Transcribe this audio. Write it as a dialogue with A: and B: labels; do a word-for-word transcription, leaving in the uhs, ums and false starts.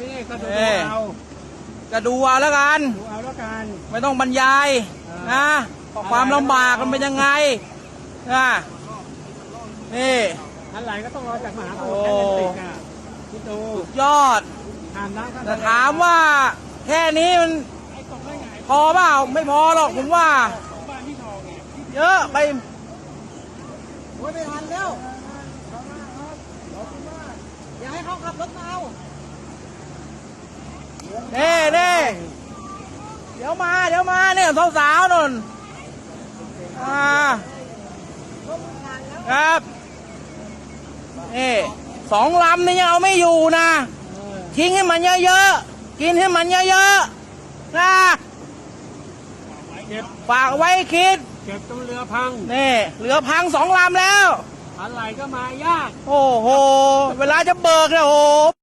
A: นี่ก็ดูเอา
B: ก็ดูเอาแล้วกัน
A: ดูเอาแล้วกัน
B: ไม่ต้องบรรยายนะความลำบากมันเป็นยังไงนะนี่
A: อะไรก็ต้องรอจากมหาสมุทรแอตแลนติกอ่ะคิดดู
B: ยอดแต่ถามว่าแค่นี้มันพอเปล่าไม่พอหรอกผมว่าเยอะไป
C: ไม่ทันแล้วอย่าให้เขาขับรถมาเอา
B: เน่เน่เดี๋ยวมาเดี๋ยวมาเนี่ยสาวๆนนอ่าครับนี่สองลำนี่ยังเอาไม่อยู่นะทิ้งให้มันเยอะๆกินให้มันเยอะๆนะฝากไว้คิด
A: เก็บตรงเรือพัง
B: นี่เรือพังสองลำแล้ว
A: อะไรก็มายาก
B: โอ้โหเวลาจะเบิกเนี่ยโอ้โห